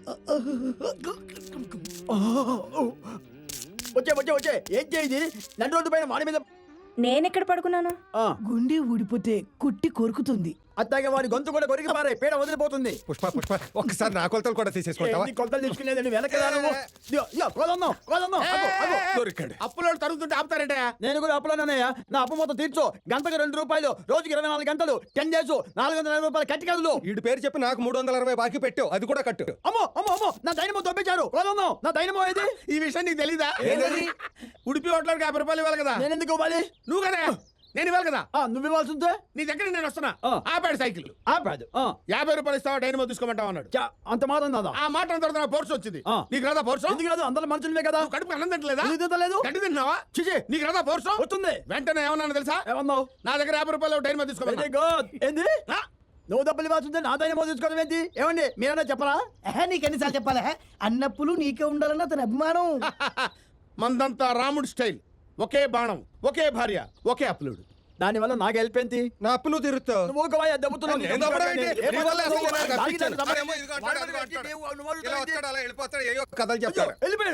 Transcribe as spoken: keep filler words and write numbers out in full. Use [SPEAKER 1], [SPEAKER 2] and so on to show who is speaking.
[SPEAKER 1] వచ్చే వచ్చే వచ్చే ఏం చేయింది నన్ను రోడ్డు పైన వాడి మీద
[SPEAKER 2] నేనెక్కడ పడుకున్నాను?
[SPEAKER 3] గుండె ఊడిపోతే కుట్టి కొరుకుతుంది.
[SPEAKER 1] అత్తాగే వాడి గొంతు కూడా కొరికి పారే పేడ వదిలిపోతుంది.
[SPEAKER 4] పుష్ప పుష్ప ఒక్కసారి నా కొలతలు కూడా తీసేసుకుంటావా?
[SPEAKER 1] ఏంటి కొలతలు తీసుకునేదండి వెనకదాను కోదన్నాం కోదన్నాం
[SPEAKER 4] దొరికాడు.
[SPEAKER 5] అప్పులో తరుగుతుంటే ఆపుతారంటే
[SPEAKER 1] నేను కూడా అప్పులోనన్నయ్య నా అప్పు మొత్తం తీర్చు గంటకు రెండు రూపాయలు రోజుకి ఇరవై నాలుగు గంటలు టెన్ డేస్ నాలుగు వందల యాభై రూపాయలు కట్టి కదులు.
[SPEAKER 4] వీడి పేరు చెప్పి నాకు మూడు వందల అరవై బాకీ పెట్టావు, అది కూడా కట్టు.
[SPEAKER 1] అమ్మో అమ్మో అమ్మో నా దైనమో దొబ్బించారు కోదన్నాం నా దైనమో ఏది?
[SPEAKER 5] ఈ విషయం నీకు తెలీదా? ఉడిపి హోటల్కి యాభై రూపాయలు ఇవ్వాలి కదా.
[SPEAKER 1] నేను ఎందుకు ఇవ్వాలి?
[SPEAKER 5] నువ్వు కదా నేను ఇవ్వాలి కదా.
[SPEAKER 1] ఆ, నువ్వు ఇవ్వాల్సి ఉంటే
[SPEAKER 5] నీ దగ్గర నేను వస్తున్నా.
[SPEAKER 1] ఆ.
[SPEAKER 5] ఆపాడు సైకిల్.
[SPEAKER 1] ఆపాదు ఆ.
[SPEAKER 5] యాభై రూపాయలు ఇస్తావా డైనమో తీసుకోమంటావు అన్నాడు.
[SPEAKER 1] చా, అంత మాత్రం దాదా
[SPEAKER 5] ఆ మాట అన్న తర్వాత నా పోర్సు వచ్చింది.
[SPEAKER 1] ఆ.
[SPEAKER 5] నీకు రాదా పోర్సు?
[SPEAKER 1] ఎందుకు రాదు అందరూ మనుషులమే కదా.
[SPEAKER 5] కడుపు అన్నం తింటలేదా?
[SPEAKER 1] ఎందుకు తింటలేదు?
[SPEAKER 5] గడ్డి తింటున్నావా?
[SPEAKER 1] చిచి
[SPEAKER 5] నీకు రాదా పోర్సు?
[SPEAKER 1] వస్తుంది.
[SPEAKER 5] వెంటనే ఏమన్నా తెలుసా?
[SPEAKER 1] ఏమన్నావు?
[SPEAKER 5] నా దగ్గర యాభై రూపాయలు డైనమో తీసుకోమన్నా.
[SPEAKER 1] Very good. ఏంది నువ్వు డబ్బులు ఇవ్వాల్సి ఉంటే నా దైనమో తీసుకోవడం ఏంటి? ఏమండి మీరన్నా చెప్పరా?
[SPEAKER 3] ఎహే, నీకెన్నిసార్లు చెప్పాలా? అన్నప్పులు నీకే ఉండాలన్న అతని అభిమానం.
[SPEAKER 5] మందంతా రాముడు స్టైల్. ఒకే బాణం, ఒకే భార్య, ఒకే అప్లుడు.
[SPEAKER 1] దానివల్ల నాకు హెల్ప్ ఏంటి?
[SPEAKER 4] నా అప్పు నువ్వు తీరుస్తావు.
[SPEAKER 1] నువ్వు ఒక వాయి దెబ్బతున్నావు.
[SPEAKER 4] నేను దెబ్బడం ఏంటి?
[SPEAKER 1] ఏ
[SPEAKER 4] నీ వల్ల అసలు నాకు
[SPEAKER 1] దానికి
[SPEAKER 4] అప్పించాను.
[SPEAKER 1] సంబంధం
[SPEAKER 4] అరేమో ఇదిగో అంటాడు, అదిగో అంటాడు.
[SPEAKER 1] నువ్వు- నువ్వు
[SPEAKER 4] ఇలా
[SPEAKER 1] అడుగుతావు ఏంటి?
[SPEAKER 4] వస్తాడు, అలా వెళ్ళిపోతాడు, ఏయో కథలు చెప్తాడు.
[SPEAKER 1] వెళ్ళిపోయాడు.